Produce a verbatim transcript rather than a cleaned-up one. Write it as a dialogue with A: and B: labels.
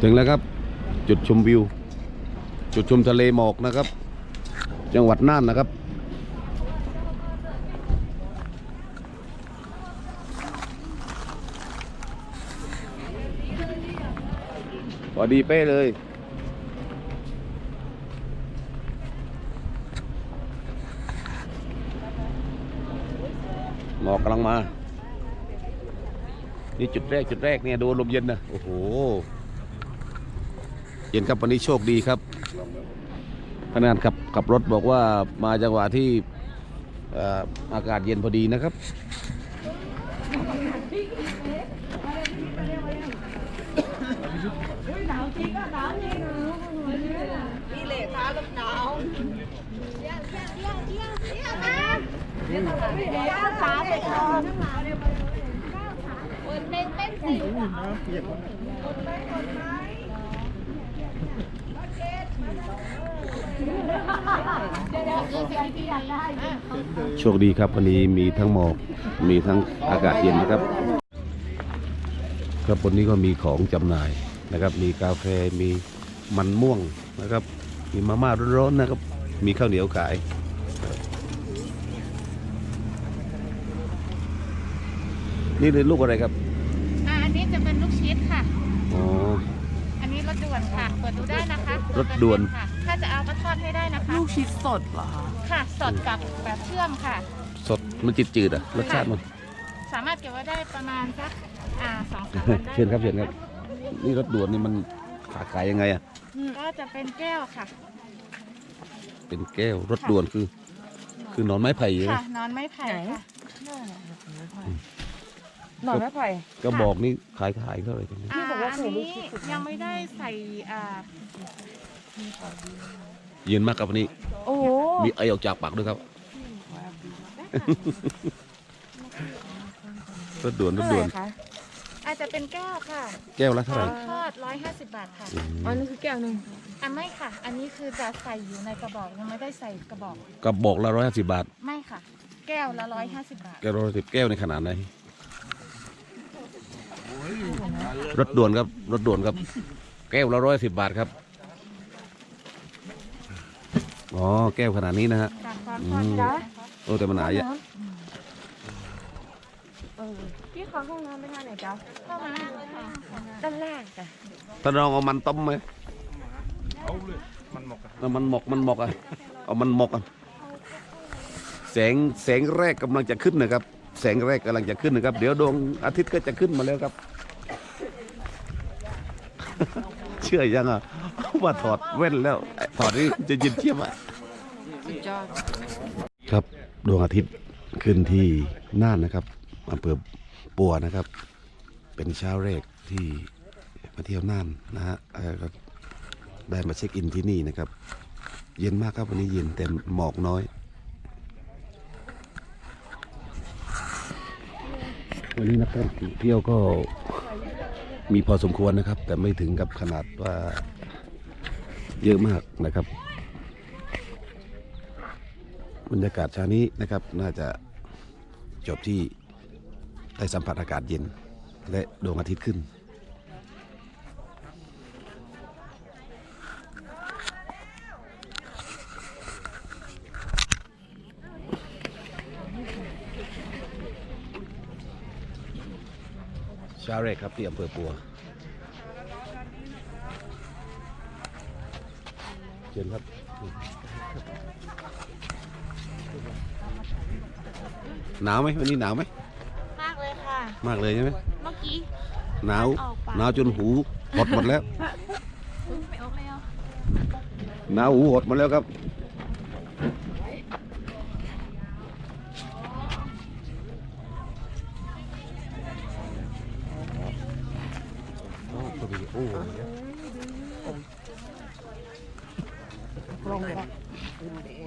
A: ถึงแล้วครับจุดชมวิวจุดชมทะเลหมอกนะครับจังหวัดน่านนะครับพอดีเป้เลยหมอกกำลังมานี่จุดแรกจุดแรกเนี่ยดูลมเย็นนะโอ้โหเย็นครับวันนี้โชคดีครับพนักงานขับขับรถบอกว่ามาจังหวะที่อากาศเย็นพอดีนะครับ
B: หนาวจริงก็หนาวจริงนี่แหละท้ากับหนาวเยี่ยมเยี่ยมเยี่ยมเยี่ยมเยี่ยมนะเยี่ยมขาไปก่อนคนเต้นเต้นสิคนไปคนไหน
A: โชคดีครับวันนี้มีทั้งหมอกมีทั้งอากาศเย็นนะครับครับบนนี้ก็มีของจำหน่ายนะครับมีกาแฟมีมันม่วงนะครับมีมาม่าร้อนๆนะครับมีข้าวเหนียวขายนี่เป็นลูกอะไรครับ
C: อ่าอันนี้จะเป็นลูกชีสค่ะ
A: อ๋อ
C: อันนี้รสด่วนค่ะเปิดดูได้นะคะ
A: รสด่วน
C: ค่ะถ้าจะเอาก็ทอดให้ได้นะคะ
B: ลูกชีสสดเหรอ
C: ค่ะสดกับแบบเชื่อมค่ะ
A: สดมันจืดๆอ่ะรสชาติมัน
C: สามารถเก็บไว้ได้ประมาณสักอ่าสองสามวันได้
A: เชิญครับเชิญครับนี่รสด่วนนี่มันขาขายยังไงอ่ะ
C: ก็จะเป็นแก้วค่ะ
A: เป็นแก้วรสด่วนคือคือนอนไม้ไผ่
C: ค่ะนอนไม้ไผ่ค่ะ
B: หน่อยไม่ไผ่
A: ก็บอกนี่ขายขายเท่าไหร่กัน
C: นี่บอกว่าอันนี้ยังไม่ได้ใส่อ่า
A: เย็นมากครับวันนี้
B: โอ้
A: มีไอออกจากปากด้วยครับรถด่วนรถด่วน
C: อาจจะเป็นแก้วค่ะ
A: แก้วละเท่าไหร่
C: ทอดร้อยห้าสิบบาทค่ะ
B: อันนี้คือแก้วหนึ่ง
C: อันไม่ค่ะอันนี้คือจะใส่อยู่ในกระบอกยังไม่ได้ใส่กระบอก
A: กระบอกละร้อยห้าสิบบาท
C: ไม่ค่ะแก้วละร้อยห้าสิบบาท
A: แก้วร้อยสิบแก้วในขนาดไหนรถด่วนครับรถด่วนครับแก้วละร้อยสิบบาทครับอ๋อแก้วขนาดนี้นะฮะโอ้แต่มันหนาเยอะ
B: พี่ขอห้องน้ำไปทางไหนจ๊ะ
C: เข้ามา
B: ด้านล่างจ้ะ
A: ท่านลองเอามันต้มไหม
D: เอาเลยมันหมก
A: อะมันหมกมันหมกอ่ะเอามันหมกอ่ะแสงแสงแรกกำลังจะขึ้นนะครับแสงแรกกำลังจะขึ้นนะครับเดี๋ยวดวงอาทิตย์ก็จะขึ้นมาแล้วครับเชื่อยังอ่ะว่าถอดแว่นแล้วถอดนี่จะยินเทียบอ่ะครับดวงอาทิตย์ขึ้นที่น่านนะครับอำเภอปัวนะครับเป็นเช้าแรกที่มาเที่ยวน่านนะฮะก็ได้มาเช็คอินที่นี่นะครับเย็นมากครับวันนี้เย็นแต่หมอกน้อยวันนี้นักท่องเที่ยวก็มีพอสมควรนะครับแต่ไม่ถึงกับขนาดว่าเยอะมากนะครับบรรยากาศเช้านี้นะครับน่าจะจบที่ได้สัมผัสอากาศเย็นและดวงอาทิตย์ขึ้นเช้าแรกครับที่อำเภอปัวเชิญครับหนาวไหมวันนี้หนาวไหม
C: มากเลยค่ะ
A: มากเลยใช่ไหม
C: เมื่อกี้
A: หนาวหนาวจนหูหดหมดแล้ว
C: ไม่ออกแล้ว
A: หนาวหูหดหมดแล้วครับโอ้
B: ลงเลย